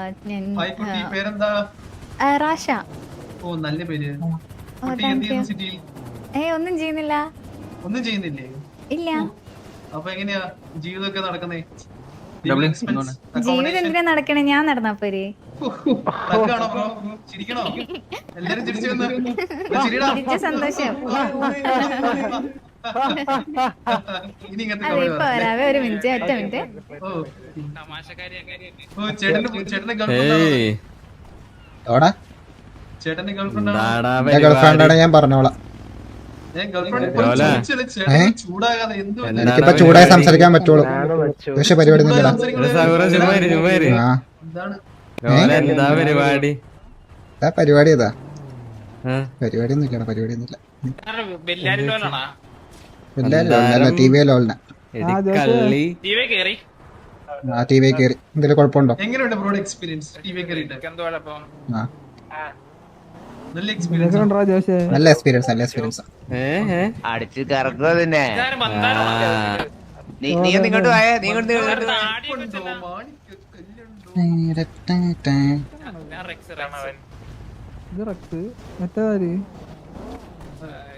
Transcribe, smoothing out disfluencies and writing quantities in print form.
പേരെന്താ? റാഷ. ഓ നല്ല പേര്. ഒന്നും ചെയ്യുന്നില്ല. ഒന്നും ചെയ്യുന്നില്ലേ? ഇല്ല. അപ്പൊ എങ്ങനെയാ ജീവിതമൊക്കെ നടക്കുന്നേ? ജീവിതം എന്തിനാ നടക്കണേ? ഞാൻ നടന്നാ പോരെ? ചിരിക്കണോ? എല്ലാരും ചിരിച്ചു ചിരിച്ച സന്തോഷം. അതെ ഇപ്പൊ വരാവേ, ഒരു മിനിറ്റ്, ഒറ്റ മിനിറ്റ്. ചേട്ടന്റെ ഗേൾഫ്രണ്ട് ഞാൻ പറഞ്ഞോളാം. എനിക്കിപ്പോ ചൂടായി സംസാരിക്കാൻ പറ്റുള്ളൂ. പക്ഷെ പരിപാടി പരിപാടി ഏതാ? പരിപാടി ഒന്നും ഇല്ലടാ, പരിപാടി ഒന്നും ഇല്ല. ടി വി ലോലിന ടി വി കയറി. എന്തെങ്കിലും കുഴപ്പമുണ്ടോ? നല്ല എക്സ്പീരിയൻസ്, നല്ല എക്സ്പീരിയൻസ്, നല്ല എക്സ്പീരിയൻസ്. അടിച്ച് കറക്കുക തന്നെ. നീ ഇങ്ങോട്ട് പോയേ, നീ കൊണ്ട് മറ്റേ